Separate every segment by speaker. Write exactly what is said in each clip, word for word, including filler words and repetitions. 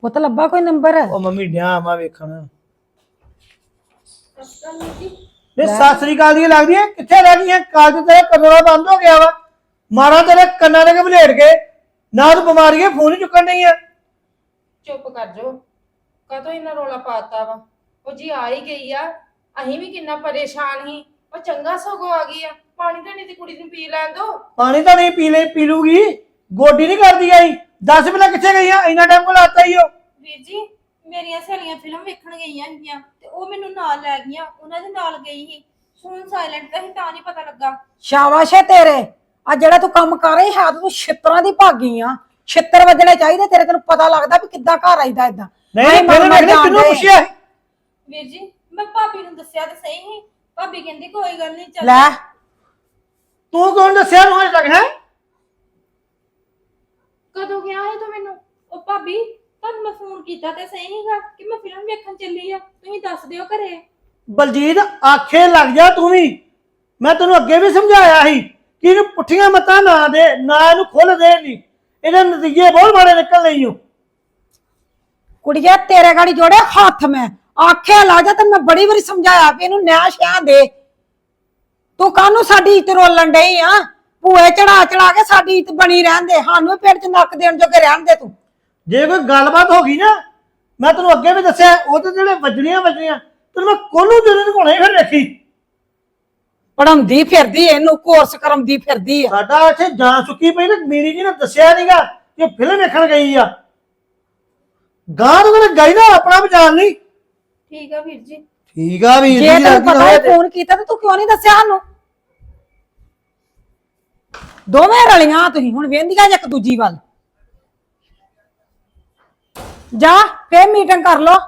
Speaker 1: ਪੁੱਤ ਲੱਭਾ ਕੋਈ ਨੰਬਰ?
Speaker 2: ਉਹ ਮੰਮੀ ਡਿਆ ਮਾ ਵੇਖਣ ਨੇ ਸਤਿ ਸ੍ਰੀ ਅਕਾਲ ਦੀਆਂ ਲੱਗਦੀਆਂ ਕਿੱਥੇ ਰਹਿ ਗਈਆਂ? ਕਾਲਜ ਤੇਰਾ ਕਮਰਾ ਬੰਦ ਹੋ ਗਿਆ ਵਾ। ਮਾਰਾ ਤੇਰੇ ਕੰਨਾਂ ਦੇ ਬਲੇਡ ਕੇ ਨਾ ਤੂੰ ਬਿਮਾਰੀਆਂ ਫੋਨ ਹੀ ਚੁੱਕਣ ਨਹੀਂ ਆ।
Speaker 3: ਚੁੱਪ ਕਰ ਜੋ ਕਾਹਤੋਂ ਇੰਨਾ ਰੋਲਾ ਪਾਤਾ ਵਾ। ਉਹ ਜੀ ਆ ਹੀ ਗਈ ਆ, ਅਸੀਂ ਵੀ ਕਿੰਨਾ ਪਰੇਸ਼ਾਨ ਸੀ। ਉਹ ਚੰਗਾ ਸਗੋਂ ਆ ਗਈ ਆ। ਪਾਣੀ ਤਾਂ ਨਹੀਂ ਤੇ ਕੁੜੀ ਨੂੰ ਪੀ ਲੈਣ ਦੋ।
Speaker 2: ਪਾਣੀ ਤਾਂ ਨਹੀਂ ਪੀ ਲੈ ਪੀ ਲੂਗੀ, ਗੋਡੀ ਨਹੀਂ ਕਰਦੀ ਆਈ। ਦਸ ਪਹਿਲਾਂ ਕਿੱਥੇ ਗਈਆਂ? ਇੰਨਾ ਟਾਈਮ ਕੋਲ ਆਤਾ ਹੀ ਉਹ।
Speaker 4: ਵੀਰ ਜੀ ਮੇਰੀਆਂ ਸਹੇਲੀਆਂ ਫਿਲਮ ਵੇਖਣ ਗਈਆਂ ਸੀਗੀਆਂ ਤੇ ਉਹ ਮੈਨੂੰ ਨਾਲ ਲੈ ਗਈਆਂ, ਉਹਨਾਂ ਦੇ ਨਾਲ ਗਈ ਸੀ। ਫੋਨ ਸਾਇਲੈਂਟ ਤਾਂ ਸੀ ਤਾਂ ਨਹੀਂ ਪਤਾ ਲੱਗਾ।
Speaker 1: ਸ਼ਾਬਾਸ਼ ਏ ਤੇਰੇ। ਆ ਜਿਹੜਾ ਤੂੰ ਕੰਮ ਕਰ ਰਹੀ ਹੈ ਤੂੰ ਛਿੱਤਰਾਂ ਦੀ ਭਾਗੀ ਆ। ਛਿੱਤਰ ਵੱਜਣੇ ਚਾਹੀਦੇ ਤੇਰੇ, ਤੈਨੂੰ ਪਤਾ ਲੱਗਦਾ ਵੀ ਕਿੱਦਾਂ ਘਰ ਆਈਦਾ ਇਦਾਂ।
Speaker 2: ਨਹੀਂ ਫਿਰ ਮੈਂ ਕਿਹਨੂੰ ਪੁੱਛਿਆ?
Speaker 4: ਵੀਰ ਜੀ ਮੈਂ ਭਾਬੀ ਨੂੰ ਦੱਸਿਆ ਤਾਂ ਸਹੀ ਸੀ, ਭਾਬੀ ਕਹਿੰਦੀ ਕੋਈ ਗੱਲ ਨਹੀਂ ਚੱਲ।
Speaker 1: ਲੈ
Speaker 2: ਤੂੰ ਕੌਣ ਦੱਸਿਆ ਨੂੰ ਹਜੇ ਤੱਕ? ਹੈ
Speaker 3: ਕਦੋਂ ਗਿਆ ਹੈ ਤੂੰ ਮੈਨੂੰ?
Speaker 4: ਉਹ ਭਾਬੀ ਤੁਹਾਨੂੰ ਮੈਂ ਫੋਨ ਕੀਤਾ ਤੇ ਸਹੀ ਸੀਗਾ ਕਿ ਮੈਂ ਫਿਲਮ ਵੇਖਣ ਚੱਲੀ ਆ, ਤੁਸੀਂ ਦੱਸ ਦਿਓ ਘਰੇ।
Speaker 2: ਬਲਜੀਤ ਆਖੇ ਲੱਗ ਜਾ ਤੂੰ ਵੀ। ਮੈਂ ਤੈਨੂੰ ਅੱਗੇ ਵੀ ਸਮਝਾਇਆ ਸੀ ਕਿ ਇਹਨੂੰ ਪੁੱਠੀਆਂ ਮਤਾਂ ਨਾ ਦੇ, ਨਾ ਇਹਨੂੰ ਖੁੱਲ ਦੇ ਨਹੀਂ, ਇਹਦੇ ਨਤੀਜੇ ਬਹੁਤ ਮਾੜੇ ਨਿਕਲ ਨਹੀਂ ਹੋ।
Speaker 1: ਕੁੜੀਏ ਤੇਰੇ ਗਾੜੀ ਜੋੜੇ ਹੱਥ ਮੈਂ ਆਖਿਆ ਲਾ ਜਾ। ਤੇ ਮੈਂ ਬੜੀ ਵਾਰੀ ਸਮਝਾਇਆ ਵੀ ਇਹਨੂੰ ਨਿਆਂ ਸ਼ਿਆਂ ਦੇ। ਤੂੰ ਕਾਹਨੂੰ ਸਾਡੀ ਇੱਜ਼ਤ ਰੋਲਣ ਡਈ ਆ? ਭੂਏ ਚੜਾ ਚੜਾ ਕੇ ਸਾਡੀ ਇੱਜ਼ਤ ਬਣੀ ਰਹਿਣ ਦੇ, ਸਾਨੂੰ ਪਿੰਡ ਚ ਨੱਕ ਦੇਣ ਜੋਗੇ ਰਹਿਣ ਦੇ ਤੂੰ।
Speaker 2: ਜੇ ਕੋਈ ਗੱਲਬਾਤ ਹੋ ਗਈ ਨਾ, ਮੈਂ ਤੈਨੂੰ ਅੱਗੇ ਵੀ ਦੱਸਿਆ, ਉਹ ਤੇ ਜਿਹੜੇ ਵੱਜਣੀਆਂ ਵੱਜਣੀਆਂ ਤੈਨੂੰ ਮੈਂ ਕੋਲੋਂ ਜਿਹੜੇ ਘੋਣੇ ਫਿਰ ਵੇਖੀ।
Speaker 1: ਪੜਾਉਂਦੀ ਫਿਰਦੀ ਇਹਨੂੰ, ਕੋਰਸ ਕਰਾਉਂਦੀ ਫਿਰਦੀ ਆ।
Speaker 2: ਸਾਡਾ ਇੱਥੇ ਜਾਨ ਸੁੱਕੀ ਪਈ ਨਾ, ਮੀਰੀ ਜੀ ਨੇ ਦੱਸਿਆ ਨਹੀਂਗਾ ਕਿ ਫਿਲਮ ਵੇਖਣ ਗਈ ਆ। ਗਾਂ ਤੋਂ ਗਈ ਨਾ ਆਪਣਾ ਬਚਾਣ ਨਹੀਂ।
Speaker 4: ਠੀਕ ਆ ਵੀਰ ਜੀ।
Speaker 2: ਠੀਕ ਆ ਵੀਰ ਜੀ।
Speaker 1: ਜੇ ਤੈਨੂੰ ਪਤਾ ਹੈ ਫੋਨ ਕੀਤਾ ਤੇ ਤੂੰ ਕਿਉਂ ਨਹੀਂ ਦੱਸਿਆ ਸਾਨੂੰ? ਦੋਵੇਂ ਰਲੀਆਂ ਤੁਸੀਂ ਹੁਣ ਵੇਂਦੀਆਂ ਇੱਕ ਦੂਜੀ ਵੱਲ। ਜਾ ਫੇਰ ਮੀਟਿੰਗ ਕਰ ਲੋ।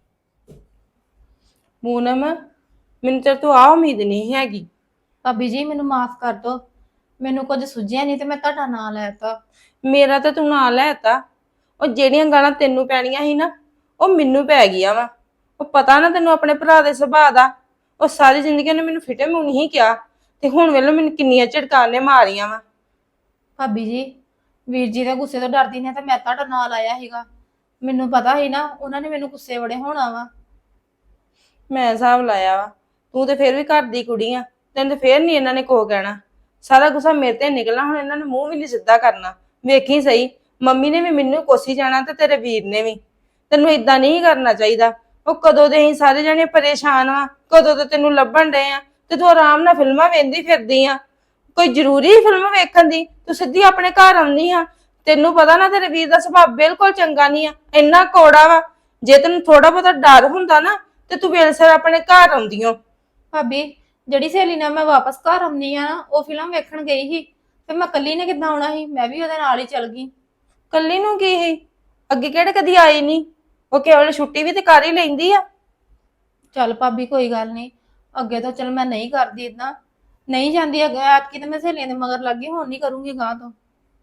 Speaker 3: ਪੂਨਮ ਮੈਨੂੰ ਤੇ ਤੂੰ ਆ ਉਮੀਦ ਨਹੀਂ ਹੈਗੀ।
Speaker 4: ਭਾਬੀ ਜੀ ਮੈਨੂੰ ਮਾਫ ਕਰ ਦਿਓ, ਮੈਨੂੰ ਕੁਝ ਸੁਝਿਆ ਨਹੀਂ ਤੇ ਮੈਂ ਤੁਹਾਡਾ ਨਾਂ ਲੈਤਾ।
Speaker 3: ਮੇਰਾ ਤਾਂ ਤੂੰ ਨਾਂ ਲੈਤਾ। ਉਹ ਜਿਹੜੀਆਂ ਗਾਲਾਂ ਤੈਨੂੰ ਪੈਣੀਆਂ ਸੀ ਨਾ, ਉਹ ਮੈਨੂੰ ਪੈ ਗਈਆਂ ਵਾ। ਉਹ ਪਤਾ ਨਾ ਤੈਨੂੰ ਆਪਣੇ ਭਰਾ ਦੇ ਸੁਭਾਅ ਦਾ। ਉਹ ਸਾਰੀ ਜ਼ਿੰਦਗੀ ਉਹਨੇ ਮੈਨੂੰ ਫਿਟੇ ਮੂੰਹ ਨਹੀਂ ਕਿਹਾ, ਤੇ ਹੁਣ ਵੇਲੇ ਮੈਨੂੰ ਕਿੰਨੀਆਂ ਝਟਕਾਂ ਨੇ ਮਾਰੀਆਂ ਵਾ।
Speaker 4: ਭਾਬੀ ਜੀ ਵੀਰ ਜੀ ਦੇ ਗੁੱਸੇ ਤੋਂ ਡਰਦੀ ਨੇ ਤਾਂ ਮੈਂ ਤੁਹਾਡਾ ਨਾਂ ਲਾਇਆ ਸੀਗਾ। ਮੈਨੂੰ ਪਤਾ ਸੀ ਨਾ ਉਹਨਾਂ ਨੇ ਮੈਨੂੰ ਗੁੱਸੇ ਬੜੇ ਹੋਣਾ ਵਾ।
Speaker 3: ਮੈਂ ਹਿਸਾਬ ਲਾਇਆ ਵਾ, ਤੂੰ ਤੇ ਫੇਰ ਵੀ ਘਰ ਦੀ ਕੁੜੀ ਆ, ਤੈਨੂੰ ਤੇ ਫੇਰ ਨਹੀਂ ਇਹਨਾਂ ਨੇ ਕੋ ਕਹਿਣਾ। ਸਾਰਾ ਗੁੱਸਾ ਮੇਰੇ ਤੇ ਨਿਕਲਣਾ, ਹੁਣ ਇਹਨਾਂ ਨੇ ਮੂੰਹ ਵੀ ਨਹੀਂ ਸਿੱਧਾ ਕਰਨਾ। ਵੇਖੀ ਸਹੀ, ਮੰਮੀ ਨੇ ਵੀ ਮੈਨੂੰ ਕੋਸੀ ਜਾਣਾ ਤੇ ਤੇਰੇ ਵੀਰ ਨੇ ਵੀ। ਤੈਨੂੰ ਏਦਾਂ ਨਹੀਂ ਕਰਨਾ ਚਾਹੀਦਾ। ਉਹ ਕਦੋਂ ਦੇ ਅਸੀਂ ਸਾਰੇ ਜਣੇ ਪਰੇਸ਼ਾਨ ਵਾ, ਕਦੋਂ ਤੋਂ ਤੈਨੂੰ ਲੱਭਣ ਡਏ ਆ, ਤੇ ਤੂੰ ਆਰਾਮ ਨਾਲ ਫਿਲਮਾਂ ਵੇਖਦੀ ਫਿਰਦੀ ਆ। ਕੋਈ ਜ਼ਰੂਰੀ ਫਿਲਮ ਵੇਖਣ ਦੀ? ਤੂੰ ਸਿੱਧੀ ਆਪਣੇ ਘਰ ਆਉਂਦੀ ਆ। ਤੈਨੂੰ ਪਤਾ ਨਾ ਤੇਰੇ ਵੀਰ ਦਾ ਸੁਭਾਅ ਬਿਲਕੁਲ ਚੰਗਾ ਨਹੀਂ ਆ, ਇੰਨਾ ਕੌੜਾ ਵਾ। ਜੇ ਤੈਨੂੰ ਥੋੜਾ ਬਹੁਤਾ ਡਰ ਹੁੰਦਾ ਨਾ ਤੇ ਤੂੰ ਵੇਲਸਰ ਆਪਣੇ ਘਰ ਆਉਂਦੀ ਓ।
Speaker 4: ਭਾਬੀ ਜਿਹੜੀ ਸਹੇਲੀ ਨਾਲ ਮੈਂ ਵਾਪਸ ਘਰ ਆਉਂਦੀ ਆ ਨਾ, ਉਹ ਫਿਲਮ ਵੇਖਣ ਗਈ ਸੀ ਤੇ ਮੈਂ ਕੱਲੀ ਨੇ ਕਿੱਦਾਂ ਆਉਣਾ ਸੀ? ਮੈਂ ਵੀ ਉਹਦੇ ਨਾਲ ਹੀ ਚੱਲ ਗਈ।
Speaker 3: ਕੱਲੀ ਨੂੰ ਕੀ ਸੀ? ਅੱਗੇ ਕਿਹੜੇ ਕਦੀ ਆਈ ਨਹੀਂ? ਉਹ ਕੇਵਲ ਛੁੱਟੀ ਵੀ ਤੇ ਕਰ ਹੀ ਲੈਂਦੀ ਆ।
Speaker 4: ਚੱਲ ਭਾਬੀ ਕੋਈ ਗੱਲ ਨਹੀਂ, ਅੱਗੇ ਤੋਂ ਚਲ ਮੈਂ ਨਹੀਂ ਕਰਦੀ ਇਦਾਂ, ਨਹੀਂ ਜਾਂਦੀ ਅੱਗੇ। ਐਤਕੀ ਤਾਂ ਮੈਂ ਸਹੇਲੀਆਂ ਦੇ ਮਗਰ ਲੱਗ ਗਈ, ਹੁਣ ਨਹੀਂ ਕਰੂੰਗੀ ਗਾਂ ਤੋਂ।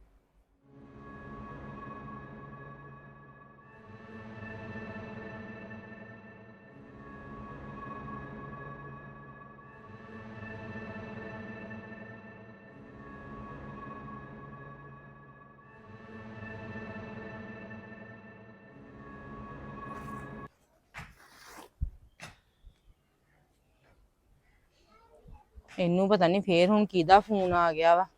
Speaker 3: ਇਹਨੂੰ ਪਤਾ ਨਹੀਂ ਫੇਰ ਹੁਣ ਕਿਹਦਾ ਫੋਨ ਆ ਗਿਆ ਵਾ।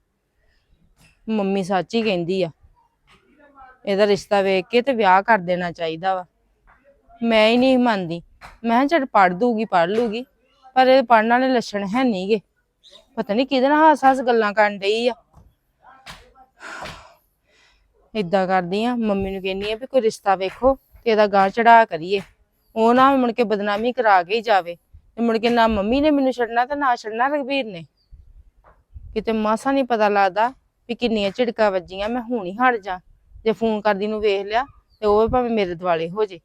Speaker 3: ਮੰਮੀ ਸੱਚ ਹੀ ਕਹਿੰਦੀ ਆ, ਇਹਦਾ ਰਿਸ਼ਤਾ ਵੇਖ ਕੇ ਤੇ ਵਿਆਹ ਕਰ ਦੇਣਾ ਚਾਹੀਦਾ ਵਾ। ਮੈਂ ਹੀ ਨਹੀਂ ਮੰਨਦੀ। ਮੈਂ ਕਿਹਾ ਚੱਲ ਪੜ੍ਹ ਦੂਗੀ ਪੜ੍ਹ ਲੂਗੀ, ਪਰ ਇਹ ਪੜ੍ਹਨ ਵਾਲੇ ਲੱਛਣ ਹੈ ਨਹੀਂਗੇ। ਪਤਾ ਨਹੀਂ ਕਿਹਦੇ ਨਾਲ ਹੱਸ ਹੱਸ ਗੱਲਾਂ ਕਰਨ ਡਈ ਆ। ਏਦਾਂ ਕਰਦੀ ਆ, ਮੰਮੀ ਨੂੰ ਕਹਿੰਦੀ ਆ ਵੀ ਕੋਈ ਰਿਸ਼ਤਾ ਵੇਖੋ ਤੇ ਇਹਦਾ ਗਾਂ ਚੜਾ ਕਰੀਏ। ਉਹ ਨਾ ਮੁੜ ਕੇ ਬਦਨਾਮੀ ਕਰਾ ਕੇ ਹੀ ਜਾਵੇ। ਤੇ ਮੁੜ ਕੇ ਨਾ ਮੰਮੀ ਨੇ ਮੈਨੂੰ ਛੱਡਣਾ ਤੇ ਨਾ ਛੱਡਣਾ ਰਘਬੀਰ ਨੇ। ਕਿਤੇ ਮਾਸਾ ਨਹੀਂ ਪਤਾ ਲੱਗਦਾ ਵੀ ਕਿੰਨੀਆਂ ਝਿੜਕਾਂ ਵੱਜੀਆਂ। ਮੈਂ ਹੁਣ ਹੀ ਹਟ ਜਾ। ਜੇ ਫੋਨ ਕਰਦੀ ਨੂੰ ਵੇਖ ਲਿਆ ਤੇ ਉਹ ਭਾਵੇਂ ਮੇਰੇ ਦੁਆਲੇ ਹੋ ਜੇ।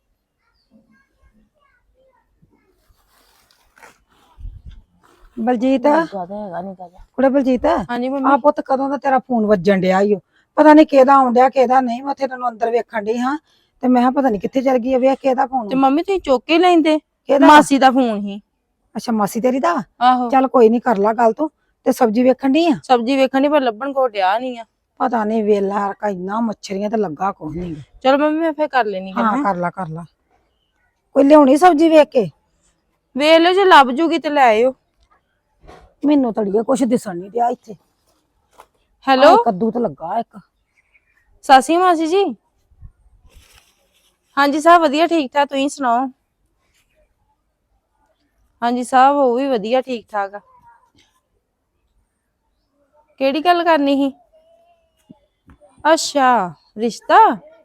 Speaker 1: ਬਲਜੀਤ
Speaker 3: ਜ਼ਿਆਦਾ ਹੈਗਾ ਨਹੀਂ ਗਾ।
Speaker 1: ਕੁੜੇ ਬਲਜੀਤ
Speaker 3: ਹਾਂਜੀ ਮੰਮੀ।
Speaker 1: ਆ ਪੁੱਤ ਕਦੋਂ ਦਾ ਤੇਰਾ ਫੋਨ ਵੱਜਣ ਡਿਆ ਈ ਓ। ਪਤਾ ਨਹੀਂ ਕਿਹਦਾ ਆਉਣ ਡਿਆ ਕਿਹਦਾ ਨਹੀਂ। ਮੈਂ ਉੱਥੇ ਤੈਨੂੰ ਅੰਦਰ ਵੇਖਣ ਡਈ ਹਾਂ ਤੇ ਮੈਂ ਕਿਹਾ ਪਤਾ ਨਹੀਂ ਕਿੱਥੇ ਚਲ ਗਈ ਆ। ਵੇਖ ਕਿਹਦਾ ਫੋਨ?
Speaker 3: ਤੇ ਮੰਮੀ ਤੁਸੀਂ ਚੁੱਕ ਕੇ ਲੈਂਦੇ।
Speaker 1: ਕਿਹਦਾ?
Speaker 3: ਮਾਸੀ ਦਾ ਫੋਨ ਸੀ।
Speaker 1: ਅੱਛਾ ਮਾਸੀ ਤੇਰੀ ਦਾ?
Speaker 3: ਆਹੋ।
Speaker 1: ਚੱਲ ਕੋਈ ਨਹੀਂ ਕਰ ਲਾ ਗੱਲ ਤੂੰ। ਤੇ ਸਬਜ਼ੀ ਵੇਖਣ ਡਈ ਆ?
Speaker 3: ਸਬਜ਼ੀ ਵੇਖਣ ਦੀ ਪਰ ਲੱਭਣ ਕੋ ਡਿਆ ਨਹੀਂ ਆ।
Speaker 1: ਪਤਾ ਨਹੀਂ ਵੇਲਾ ਰਕਾ ਇੰਨਾ ਮੱਛਰੀਆਂ ਤੇ ਲੱਗਾ ਕੁਛ ਨਹੀਂ।
Speaker 3: ਚਲੋ ਮੰਮੀ ਮੈਂ ਫੇਰ ਕਰ ਲੈਣੀ ਗੱਲ।
Speaker 1: ਹਾਂ ਕਰ ਲਾ ਕਰ ਲਾ। ਕੋਈ ਲਿਆਉਣੀ ਸਬਜ਼ੀ ਵੇਖ ਕੇ?
Speaker 3: ਵੇਖ ਲਿਓ ਜੇ ਲੱਭ ਜੂਗੀ ਤੇ ਲੈ ਆਇਓ।
Speaker 1: ਮੈਨੂੰ ਤੜੀਏ ਕੁਛ ਦਿਸਣ ਨਹੀਂ ਦਿਆ ਇੱਥੇ।
Speaker 3: ਹੈਲੋ
Speaker 1: ਆਹ ਕੱਦੂ ਤੇ ਲੱਗਾ ਇੱਕ।
Speaker 3: ਸਾਸੀ ਮਾਸੀ ਜੀ। ਹਾਂਜੀ ਸਭ ਵਧੀਆ ਠੀਕ ਠਾਕ, ਤੁਸੀਂ ਸੁਣਾਓ? ਹਾਂਜੀ ਸਭ ਉਹ ਵੀ ਵਧੀਆ ਠੀਕ ਠਾਕ ਆ। ਕਿਹੜੀ ਗੱਲ ਕਰਨੀ ਸੀ? ਅੱਛਾ ਰਿਸ਼ਤਾ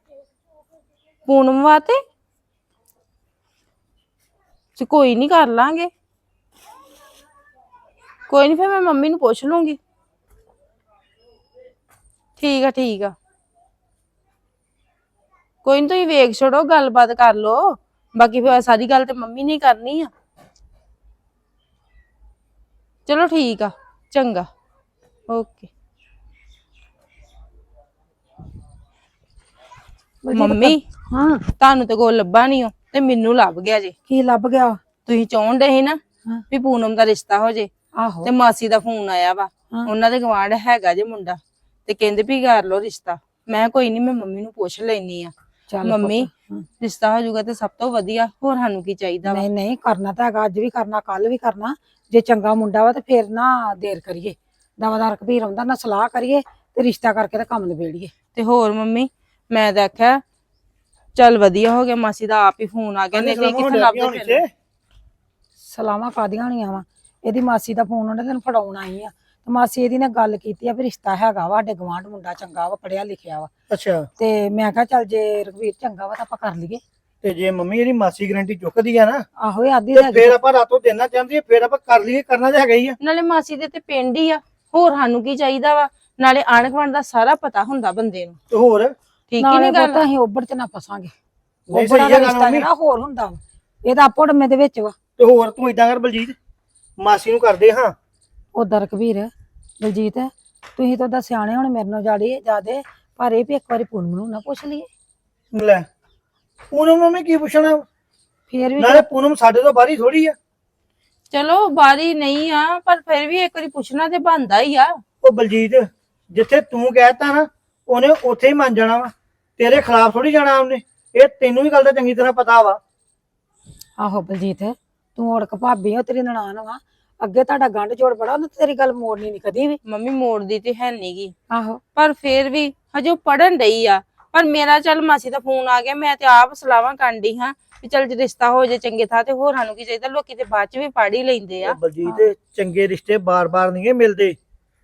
Speaker 3: ਪੂਨਮ ਵਾਤੇ। ਤੇ ਕੋਈ ਨਹੀਂ ਕਰ ਲਾਂਗੇ। ਕੋਈ ਨਹੀਂ ਫਿਰ ਮੈਂ ਮੰਮੀ ਨੂੰ ਪੁੱਛ ਲੂੰਗੀ। ਠੀਕ ਆ ਠੀਕ ਆ ਕੋਈ ਨੀ ਤੁਸੀਂ ਵੇਖ ਛੜੋ, ਗੱਲਬਾਤ ਕਰ ਲੋ। ਬਾਕੀ ਫਿਰ ਸਾਰੀ ਗੱਲ ਤੇ ਮੰਮੀ ਨੇ ਕਰਨੀ ਆ। ਚਲੋ ਠੀਕ ਆ ਚੰਗਾ ਓਕੇ। ਮੰਮੀ
Speaker 1: ਹਾਂ
Speaker 3: ਤੁਹਾਨੂੰ ਤੇ ਕੋਈ ਲੱਭਾ ਨਹੀਂ ਤੇ ਮੈਨੂੰ ਲੱਭ ਗਿਆ ਜੇ।
Speaker 1: ਕੀ ਲੱਭ ਗਿਆ?
Speaker 3: ਤੁਸੀਂ ਚਾਹੁੰਦੇ ਸੀ ਨਾ
Speaker 1: ਹਾਂ।
Speaker 3: ਵੀ ਪੂਨਮ ਦਾ ਰਿਸ਼ਤਾ ਹੋ ਜੇ।
Speaker 1: ਆਹੋ
Speaker 3: ਤੇ ਮਾਸੀ ਦਾ ਫੋਨ ਆਇਆ ਵਾ,
Speaker 1: ਹਾਂ।
Speaker 3: ਉਹਨਾਂ ਦੇ ਗਵਾਂਢ ਹੈਗਾ ਜੇ ਮੁੰਡਾ, ਤੇ ਕਹਿੰਦੇ ਵੀ ਕਰ ਲੋ ਰਿਸ਼ਤਾ। ਮੈਂ ਕੋਈ ਨਹੀਂ ਮੈਂ ਮੰਮੀ ਨੂੰ ਪੁੱਛ ਲੈਣੀ ਆ।
Speaker 1: ਚੱਲ
Speaker 3: ਮੰਮੀ
Speaker 1: ਪੁੱਤ, ਹਾਂ।
Speaker 3: ਰਿਸ਼ਤਾ ਹੋ ਜਾਊਗਾ ਤੇ ਸਭ ਤੋਂ ਵਧੀਆ, ਹੋਰ ਸਾਨੂੰ ਕੀ ਚਾਹੀਦਾ ਵਾ।
Speaker 1: ਨਹੀਂ ਨਹੀਂ ਕਰਨਾ ਤਾਂ ਹੈਗਾ, ਅੱਜ ਵੀ ਕਰਨਾ ਕੱਲ ਵੀ ਕਰਨਾ। ਜੇ ਚੰਗਾ ਮੁੰਡਾ ਵਾ ਤੇ ਫੇਰ ਨਾ ਦੇਰ ਕਰੀਏ, ਦਵਾਦਾਰ ਕਬੀਰ ਆਉਂਦਾ ਨਾ ਸਲਾਹ ਕਰੀਏ ਤੇ ਰਿਸ਼ਤਾ ਕਰਕੇ ਤੇ ਕੰਮ ਨਿਬੇੜੀਏ।
Speaker 3: ਤੇ ਹੋਰ ਮੰਮੀ ਮੈਂ ਤਾਂ ਆਖਿਆ ਚੱਲ ਵਧੀਆ ਹੋ ਗਿਆ ਮਾਸੀ ਦਾ ਆਪ ਹੀ ਫੋਨ ਆ ਗਿਆ, ਨਹੀਂ ਤੇ ਕਿੱਥੇ ਲੱਭਦੇ ਫਿਰ।
Speaker 1: ਸਲਾਮਾਂ ਕਾਦੀਆਂ ਹੋਣੀਆਂ ਵਾ? ਇਹਦੀ ਮਾਸੀ ਦਾ ਫੋਨ ਉਹਨੇ ਤੈਨੂੰ ਫੜਾਉਣ ਆਈ ਆ ਤੇ ਮਾਸੀ ਇਹਦੀ ਨੇ ਗੱਲ ਕੀਤੀ ਆ ਵੀ ਰਿਸ਼ਤਾ ਹੈਗਾ ਵਾ, ਸਾਡੇ ਗਵਾਂਢ ਮੁੰਡਾ ਚੰਗਾ ਵਾ, ਪੜਿਆ ਲਿਖਿਆ ਵਾ।
Speaker 2: ਅੱਛਾ
Speaker 1: ਤੇ ਮੈਂ ਕਿਹਾ ਚੱਲ ਜੇ ਰਘਵੀਰ ਚੰਗਾ ਵਾ ਤਾਂ ਆਪਾਂ ਕਰ ਲਈਏ।
Speaker 2: ਤੇ ਜੇ ਮੰਮੀ ਇਹਦੀ ਮਾਸੀ ਗਰੰਟੀ ਚੁੱਕਦੀ ਆ ਨਾ
Speaker 1: ਆਹੋ ਇਹ ਆਦੀ
Speaker 2: ਤੇ ਫੇਰ ਆਪਾਂ ਰਾਤੋਂ ਦੇਣਾ ਚਾਹੁੰਦੀ ਆ, ਫੇਰ ਆਪਾਂ ਕਰ ਲਈਏ, ਕਰਨਾ ਤਾਂ ਹੈਗਾ ਹੀ ਆ।
Speaker 3: ਨਾਲੇ ਮਾਸੀ ਦੇ ਤੇ ਪਿੰਡ ਹੀ ਆ, ਹੋਰ ਸਾਨੂੰ ਕੀ ਚਾਹੀਦਾ ਵਾ। ਨਾਲੇ ਆਂਢ ਗੁਆਂਢ ਦਾ ਸਾਰਾ ਪਤਾ ਹੁੰਦਾ ਬੰਦੇ ਨੂੰ।
Speaker 2: ਤੇ ਹੋਰ
Speaker 3: ਠੀਕ ਹੀ
Speaker 1: ਨਾਲੇ
Speaker 3: ਨਹੀਂ ਗੱਲ।
Speaker 1: ਪਤਾ ਅਸੀਂ ਉੱਬੜ ਚ ਨਾ ਫਸਾਂਗੇ।
Speaker 2: ਨਹੀਂ
Speaker 1: ਉੱਬੜਾ
Speaker 2: ਸਹੀ
Speaker 1: ਦਾ
Speaker 2: ਗੱਲ
Speaker 1: ਰਿਸ਼ਤਾ
Speaker 2: ਮੰਮੀ।
Speaker 1: ਜਿਹੜਾ ਹੋਰ ਹੁੰਦਾ ਵਾ, ਇਹਦਾ ਆਪੋ ਡੰਮੇ ਦੇ ਵਿੱਚ ਵਾ।
Speaker 2: ਤੇ ਹੋਰ ਤੂੰ ਇਦਾਂ ਕਰ ਬਲਜੀਤ, ਮਾਸੀ ਨੂੰ ਕਰਦੇ ਹਾਂ।
Speaker 1: ਉਦਾਂ ਰਘਵੀਰ ਬਲਜੀਤ ਤੁਸੀਂ ਤਾਂ ਉਹਦਾ ਸਿਆਣੇ ਹੁਣ ਮੇਰੇ ਨਾਲ ਜਾੜੀ ਜਾਦੇ, ਪਰ ਇਹ ਵੀ ਇੱਕ ਵਾਰੀ ਪੂਨਮ ਨੂੰ ਨਾ ਪੁੱਛ ਲਈਏ।
Speaker 2: ਲੈ ਪੂਨਮ ਨੂੰ ਮੈਂ ਕੀ ਪੁੱਛਣਾ?
Speaker 1: ਫੇਰ ਵੀ
Speaker 2: ਨਾਲੇ ਪੂਨਮ ਸਾਡੇ ਤੋਂ ਬਾਹਰੀ ਥੋੜੀ ਆ।
Speaker 3: ਚਲੋ ਬਾਰੀ ਨਹੀਂ ਆ, ਪਰ ਫਿਰ ਵੀ ਇੱਕ ਵਾਰੀ ਪੁੱਛਣਾ ਤੇ ਬਣਦਾ ਹੀ ਆ।
Speaker 2: ਉਹ ਬਲਜੀਤ ਜਿੱਥੇ ਤੂੰ ਕਹਿਤਾ ਨਾ ਉਹਨੇ ਉੱਥੇ ਹੀ ਮੰਨ ਜਾਣਾ ਵਾ, ਤੇਰੇ ਖਿਲਾਫ ਥੋੜੀ ਜਾਣਾ ਉਹਨੇ। ਇਹ ਤੈਨੂੰ ਵੀ ਗੱਲ ਦਾ ਚੰਗੀ ਤਰ੍ਹਾਂ ਪਤਾ ਵਾ।
Speaker 1: ਆਹੋ ਬਲਜੀਤ ਤੂੰ ਔੜਕ ਭਾਬੀ ਹੋ, ਤੇਰੀ ਨਨਾਣ ਵਾ, ਅੱਗੇ ਤੁਹਾਡਾ ਗੰਢ ਜੋੜ ਬੜਾ, ਉਹਨੇ ਤੇਰੀ ਗੱਲ ਮੋੜਨੀ ਨਹੀਂ ਕਦੀ ਵੀ।
Speaker 3: ਮੰਮੀ ਮੋੜਦੀ ਤੇ ਹੈ ਨੀ ਗੀ,
Speaker 1: ਆਹੋ
Speaker 3: ਪਰ ਫਿਰ ਵੀ ਹਜੇ ਉਹ ਪੜਨ ਡਈ ਆ। ਪਰ ਮੇਰਾ ਚੱਲ ਮਾਸੀ ਦਾ ਫੋਨ ਆ ਗਿਆ, ਮੈਂ ਤੇ ਆਪ ਸਲਾਹਾਂ ਕਰਨ ਡਈ ਹਾਂ ਵੀ ਚੱਲ ਜੇ ਰਿਸ਼ਤਾ ਹੋ ਜੇ ਚੰਗੇ ਥਾਂ ਤੇ, ਹੋਰ ਸਾਨੂੰ ਕੀ ਚਾਹੀਦਾ। ਲੋਕੀ ਤੇ ਬਾਅਦ ਚ ਵੀ ਪੜ ਹੀ ਲੈਂਦੇ ਆ।
Speaker 2: ਉਹ ਬਲਜੀਤ ਚੰਗੇ ਰਿਸ਼ਤੇ ਬਾਰ-ਬਾਰ ਨਹੀਂ ਮਿਲਦੇ।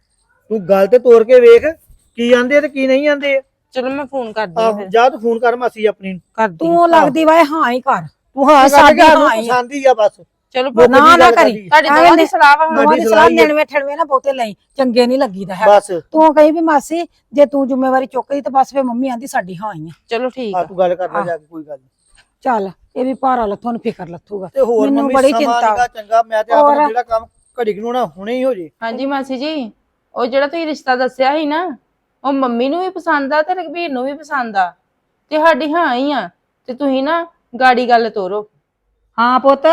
Speaker 2: ਤੂੰ ਗੱਲ ਤੇ ਤੋੜ ਕੇ ਵੇਖ ਕੀ ਆਂਦੇ ਤੇ ਕੀ ਨਹੀਂ ਆਂਦੇ।
Speaker 3: ਚਲੋ ਮੈਂ ਫੋਨ ਕਰਦੀ ਹਾਂ
Speaker 2: ਆਹ
Speaker 3: ਫਿਰ।
Speaker 2: ਜਾ ਤੂੰ ਫੋਨ ਕਰ ਮਾਸੀ ਆਪਣੀ ਨੂੰ।
Speaker 3: ਕਰਦੀ
Speaker 1: ਤੂੰ ਲੱਗਦੀ ਵਾ ਹਾਂ ਹੀ ਕਰ।
Speaker 2: ਤੂੰ ਹਾਂ
Speaker 1: ਵੀ
Speaker 2: ਕਰ
Speaker 1: ਸਾਡੀ
Speaker 2: ਕੇ ਸਾਨੂੰ
Speaker 1: ਹਾਂ ਹੀ ਆ।
Speaker 2: ਪਸੰਦ ਹੀ ਆ ਬਸ।
Speaker 3: ਚਲੋ
Speaker 2: ਮੁੱਕ
Speaker 1: ਨਾ
Speaker 2: ਦੀ
Speaker 1: ਨਾ
Speaker 2: ਗੱਲ
Speaker 1: ਕਰੀ
Speaker 2: ਕਰਦੀ।
Speaker 3: ਤੁਹਾਡੀ ਦੋਵਾਂ ਦੀ ਸਲਾਹ ਵਾ ਹੁਣ।
Speaker 1: ਦੋਵਾਂ ਦੀ
Speaker 2: ਸਾਡੀ
Speaker 1: ਸਲਾਹ
Speaker 2: ਸਲਾਹ ਹੀ ਆ।
Speaker 1: ਨੜਵੇਂ ਠੜਵੇਂ ਨਾ ਬਹੁਤੇ ਲਈ, ਚੰਗੇ ਨਹੀਂ ਲੱਗੀਦਾ ਹੈ।
Speaker 2: ਬਸ
Speaker 1: ਤੂੰ ਕਹੀ ਵੀ ਮਾਸੀ ਜੇ ਤੂੰ ਜ਼ਿੰਮੇਵਾਰੀ ਚੁੱਕਦੀ ਤੇ ਬਸ ਫੇ ਮੰਮੀ ਆਂਦੀ ਸਾਡੀ ਹਾਂ ਹੀ ਆ।
Speaker 3: ਚਲੋ ਠੀਕ
Speaker 2: ਆ
Speaker 3: ਆ।
Speaker 2: ਤੂੰ ਗੱਲ ਕਰਨਾ ਜਾ ਕੇ, ਕੋਈ ਗੱਲ ਨੀ।
Speaker 1: ਚੱਲ ਇਹ ਵੀ ਭਾਰਾ ਲੱਥੋਂ ਨੂੰ ਫਿਕਰ ਲੱਥੂਗਾ।
Speaker 2: ਤੇ ਹੋਰ
Speaker 1: ਮੈਨੂੰ
Speaker 2: ਮੰਮੀ
Speaker 1: ਬੜੀ
Speaker 2: ਸਮਾਂ
Speaker 1: ਚਿੰਤਾ
Speaker 2: ਨੀਗਾ ਚੰਗਾ, ਮੈਂ ਤੇ
Speaker 1: ਹੋਰ?
Speaker 2: ਆਪਣਾ ਜਿਹੜਾ ਕੰਮ ਘੜੀ ਨੂੰ ਨਾ ਹੁਣੇ ਹੀ ਹੋ ਜੇ।
Speaker 3: ਹਾਂਜੀ ਮਾਸੀ ਜੀ, ਉਹ ਜਿਹੜਾ ਤੁਸੀਂ ਰਿਸ਼ਤਾ ਦੱਸਿਆ ਸੀ ਨਾ, ਉਹ ਮੰਮੀ ਨੂੰ ਵੀ ਪਸੰਦ ਆ ਤੇ ਰਘਬੀਰ ਨੂੰ ਵੀ ਪਸੰਦ ਆ, ਤੇ ਸਾਡੀ ਹਾਂ ਹੀ ਆ। ਤੇ ਤੁਸੀਂ ਨਾ ਗਾੜੀ ਗੱਲ ਤੋਰੋ।
Speaker 5: ਹਾਂ ਪੁੱਤ,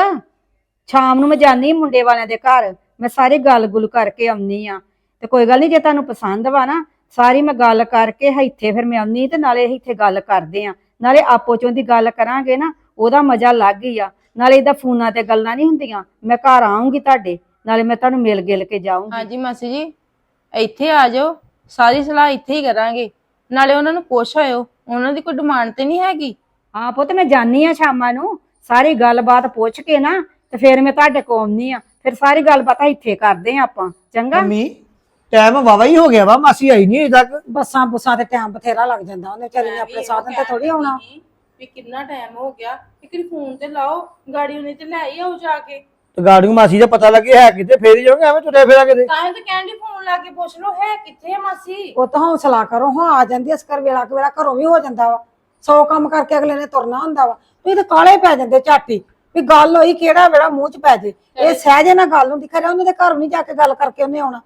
Speaker 5: ਸ਼ਾਮ ਨੂੰ ਮੈਂ ਜਾਨੀ ਮੁੰਡੇ ਵਾਲਿਆਂ ਦੇ ਘਰ, ਮੈਂ ਸਾਰੀ ਗੱਲ ਗੁੱਲ ਕਰਕੇ ਆਉਣੀ ਆ। ਤੇ ਕੋਈ ਗੱਲ ਨਹੀਂ, ਜੇ ਤੁਹਾਨੂੰ ਪਸੰਦ ਵਾ ਨਾ ਸਾਰੀ ਮੈਂ ਗੱਲ ਕਰਕੇ ਇੱਥੇ ਫਿਰ ਮੈਂ ਆਉਣੀ, ਤੇ ਨਾਲੇ ਇੱਥੇ ਗੱਲ ਕਰਦੇ ਆ, ਨਾਲੇ ਆਪੋ ਚੋਂ ਦੀ ਗੱਲ ਕਰਾਂਗੇ ਨਾ, ਉਹਦਾ ਮਜ਼ਾ ਲੱਗ ਹੀ ਆ। ਨਾਲੇ ਇਹਦਾ ਫੋਨਾਂ ਤੇ ਗੱਲਾਂ ਨਹੀਂ ਹੁੰਦੀਆਂ, ਮੈਂ ਘਰ ਆਉਂਗੀ ਤੁਹਾਡੇ, ਨਾਲੇ ਮੈਂ ਤੁਹਾਨੂੰ ਮਿਲ ਗਿਲ ਕੇ ਜਾਊਂਗੀ।
Speaker 3: ਹਾਂਜੀ ਮਾਸੀ ਜੀ ਇੱਥੇ ਆ ਜਾਓ, ਸਾਰੀ ਸਲਾਹ ਇੱਥੇ ਹੀ ਕਰਾਂਗੇ। ਨਾਲੇ ਉਹਨਾਂ ਨੂੰ ਪੁੱਛ ਆਇਓ, ਉਹਨਾਂ ਦੀ ਕੋਈ ਡਿਮਾਂਡ ਤੇ ਨਹੀਂ ਹੈਗੀ।
Speaker 5: ਹਾਂ ਪੁੱਤ, ਮੈਂ ਜਾਨੀ ਆ ਸ਼ਾਮਾਂ ਨੂੰ, ਸਾਰੀ ਗੱਲਬਾਤ ਪੁੱਛ ਕੇ ਨਾ ਤੇ ਫਿਰ ਮੈਂ ਤੁਹਾਡੇ ਕੋਲ ਆਉਣੀ ਆ, ਫਿਰ ਸਾਰੀ ਗੱਲਬਾਤ ਇੱਥੇ ਕਰਦੇ ਆ ਆਪਾਂ। ਚੰਗਾ
Speaker 2: ਮੰਮੀ ਟਾਈਮ ਵਾਵਾ ਹੀ ਹੋ ਗਿਆ ਵਾ, ਮਾਸੀ ਆਈ ਨਹੀਂ ਅਜੇ ਤੱਕ।
Speaker 1: ਬੱਸਾਂ ਬੁੱਸਾਂ ਤੇ ਟਾਈਮ ਬਥੇਰਾ ਲੱਗ ਜਾਂਦਾ, ਉਹਨੇ ਵਿਚਾਰੀ ਨੇ ਆਪਣੇ ਸਾਧਨ ਤੇ ਥੋੜੀ ਆਉਣਾ।
Speaker 3: ਵੀ ਕਿੰਨਾ ਟਾਈਮ ਹੋ ਗਿਆ, ਇੱਕ ਫੋਨ ਤੇ ਲਾਓ, ਗਾੜੀ ਉਹਨੇ ਤੇ ਲੈ ਹੀ ਆਓ ਜਾ ਕੇ।
Speaker 2: ਤੇ ਗਾੜੀ ਨੂੰ ਮਾਸੀ ਦਾ ਪਤਾ ਲੱਗੇ ਹੈ ਕਿਤੇ, ਫੇਰ ਹੀ ਜਾਓਗੇ, ਐਵੇਂ ਤੁਰਿਆ ਫੇਰਾ ਕਿਤੇ।
Speaker 3: ਤਾਂ ਹੀ ਤਾਂ ਕਹਿੰਦੀ ਫੋਨ ਲਾ ਕੇ ਪੁੱਛ ਲਓ ਹੈ ਕਿੱਥੇ ਆ ਮਾਸੀ।
Speaker 1: ਉਹ ਤਾਂ ਹੌਸਲਾ ਕਰੋ, ਹਾਂ ਆ ਜਾਂਦੀ ਐ, ਅਸਕਰ ਵੇਲਾ ਕੁ ਵੇਲਾ ਘਰੋਂ ਵੀ ਹੋ ਜਾਂਦਾ ਵਾ, ਸੌ ਕੰਮ ਕਰਕੇ ਅਗਲੇ ਨੇ ਤੁਰਨਾ ਹੁੰਦਾ ਵਾ। ਤੁਸੀਂ ਤਾਂ ਕਾਲੇ ਪੈ ਜਾਂਦੇ ਝਾਟੀ ਵੀ ਗੱਲ ਹੋਈ ਕਿਹੜਾ ਵੇੜਾ ਮੂੰਹ ਚ ਪੈ ਜੇ। ਇਹ ਸਹਿਜੇ ਨਾਲ ਗੱਲ ਹੁੰਦੀ, ਖਰੇ ਉਹਨਾਂ ਦੇ ਘਰ ਨਹੀਂ ਜਾ ਕੇ ਗੱਲ ਕਰਕੇ ਉਹਨੇ ਆਉਣਾ।